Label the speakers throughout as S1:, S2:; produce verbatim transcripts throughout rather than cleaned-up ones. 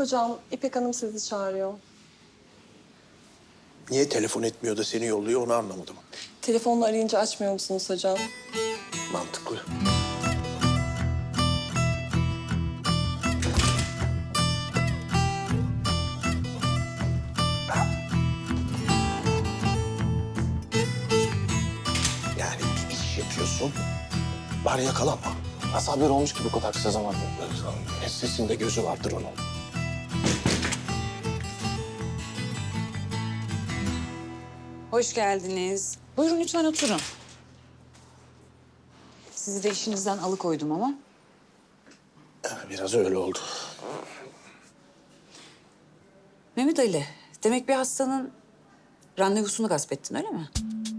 S1: hocam, İpek Hanım sizi çağırıyor.
S2: Niye telefon etmiyor da seni yolluyor onu anlamadım.
S1: Telefonla arayınca açmıyor musunuz hocam?
S2: Mantıklı. Yani bir iş yapıyorsun, bari yakalanma.
S3: Nasıl haber olmuş ki bu kadar kısa zamanda?
S2: Sesinde gözü vardır onun.
S4: Hoş geldiniz. Buyurun lütfen oturun. Sizi de işinizden alıkoydum ama.
S2: Biraz öyle oldu.
S4: Mehmet Ali, demek bir hastanın randevusunu gasp ettin öyle mi?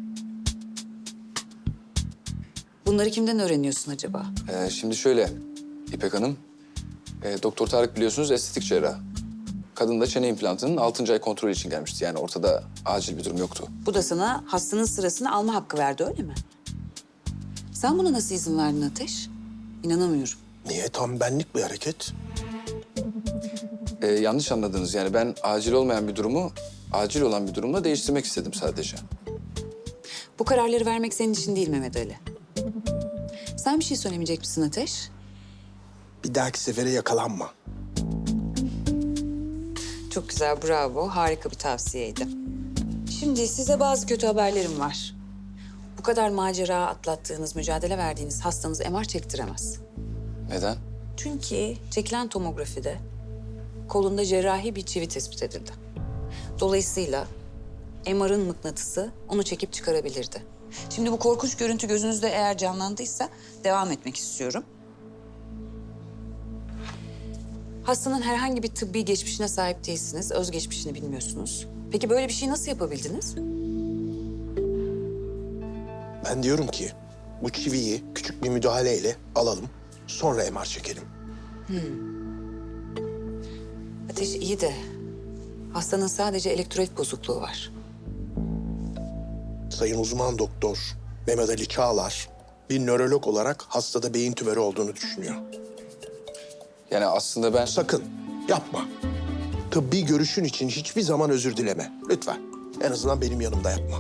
S4: Bunları kimden öğreniyorsun acaba?
S3: Ee, şimdi şöyle İpek Hanım, e, Doktor Tarık biliyorsunuz estetik cerrah. Kadın da çene implantının altıncı ay kontrolü için gelmişti. Yani ortada acil bir durum yoktu.
S4: Bu da sana hastanın sırasını alma hakkı verdi öyle mi? Sen buna nasıl izin verdin Ateş? İnanamıyorum.
S2: Niye? Tam benlik bir hareket.
S3: Ee, yanlış anladınız. Yani ben acil olmayan bir durumu acil olan bir durumla değiştirmek istedim sadece.
S4: Bu kararları vermek senin için değil Mehmet Ali. Sen bir şey söylemeyecek misin Ateş?
S2: Bir dahaki sefere yakalanma.
S4: Çok güzel, bravo. Harika bir tavsiyeydi. Şimdi size bazı kötü haberlerim var. Bu kadar macera atlattığınız, mücadele verdiğiniz hastanız M R çektiremez.
S3: Neden?
S4: Çünkü çekilen tomografide kolunda cerrahi bir çivi tespit edildi. Dolayısıyla M R'ın mıknatısı onu çekip çıkarabilirdi. Şimdi bu korkunç görüntü gözünüzde eğer canlandıysa devam etmek istiyorum. Hastanın herhangi bir tıbbi geçmişine sahip değilsiniz, özgeçmişini bilmiyorsunuz. Peki böyle bir şey nasıl yapabildiniz?
S2: Ben diyorum ki bu çiviyi küçük bir müdahaleyle alalım. Sonra M R çekelim.
S4: Ateş iyi de hastanın sadece elektrolit bozukluğu var.
S2: Sayın uzman doktor Mehmet Ali Çağlar bir nörolog olarak hastada beyin tümörü olduğunu düşünüyor.
S3: Yani aslında ben...
S2: Sakın yapma. Tıbbi görüşün için hiçbir zaman özür dileme. Lütfen. En azından benim yanımda yapma.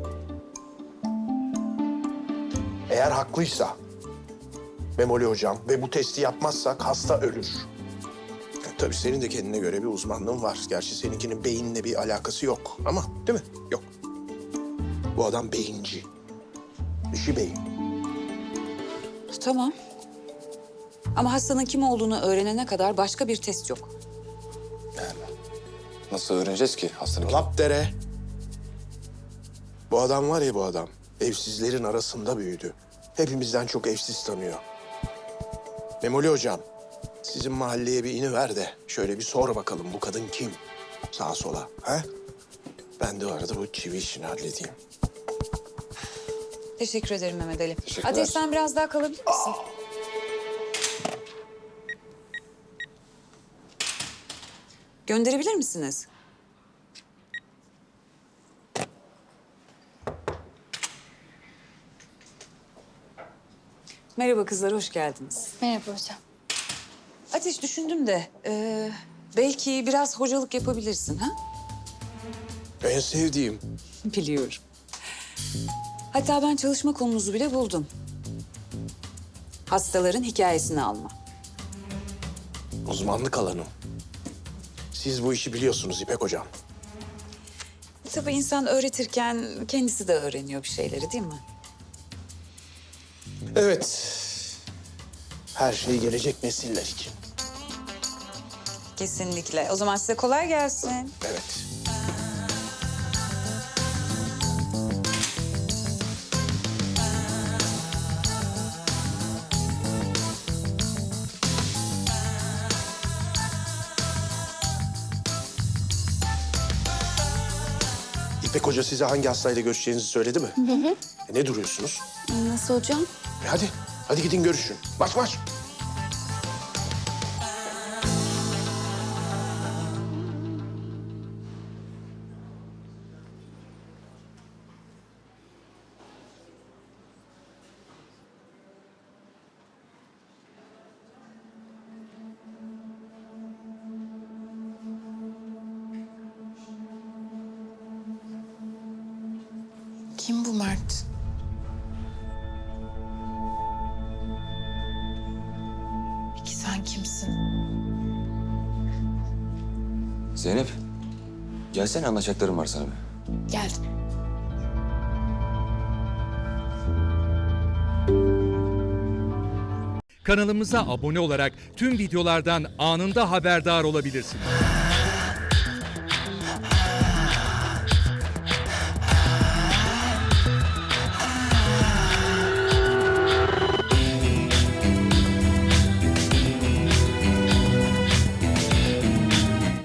S2: Eğer haklıysa Memoli hocam ve bu testi yapmazsak hasta ölür. Ya, tabii senin de kendine göre bir uzmanlığın var. Gerçi seninkinin beyinle bir alakası yok ama değil mi? Yok. Bu adam beyinci. İşi beyin.
S4: Tamam. Ama hastanın kim olduğunu öğrenene kadar başka bir test yok.
S3: Yani nasıl öğreneceğiz ki hastanın?
S2: Lapdere. Bu adam var ya bu adam. Evsizlerin arasında büyüdü. Hepimizden çok evsiz tanıyor. Memoli hocam, sizin mahalleye bir iniver de şöyle bir sor bakalım bu kadın kim? Sağa sola, ha? Ben de o arada bu çivi işini halledeyim.
S4: Teşekkür ederim Mehmet Ali.
S3: Teşekkürler.
S4: Ateş sen biraz daha kalabilir misin? Gönderebilir misiniz? Merhaba kızlar, hoş geldiniz.
S5: Merhaba hocam.
S4: Ateş düşündüm de e, belki biraz hocalık yapabilirsin ha?
S2: En sevdiğim.
S4: Biliyorum. Hatta ben çalışma konunuzu bile buldum. Hastaların hikayesini alma.
S2: Uzmanlık alanım. Siz bu işi biliyorsunuz İpek hocam.
S4: Tabii insan öğretirken kendisi de öğreniyor bir şeyleri değil mi?
S2: Evet. Her şey gelecek nesiller için.
S4: Kesinlikle. O zaman size kolay gelsin.
S2: Evet. İpek Hoca size hangi hastayla görüşeceğinizi söyledi mi? Hı hı. E, ne duruyorsunuz?
S5: Nasıl hocam?
S2: E, hadi, hadi gidin görüşün. Marş marş.
S5: Kim bu Mert? Peki sen kimsin?
S6: Zeynep, gelsene anlatacaklarım var sana bir.
S5: Geldim.
S7: Kanalımıza abone olarak tüm videolardan anında haberdar olabilirsiniz.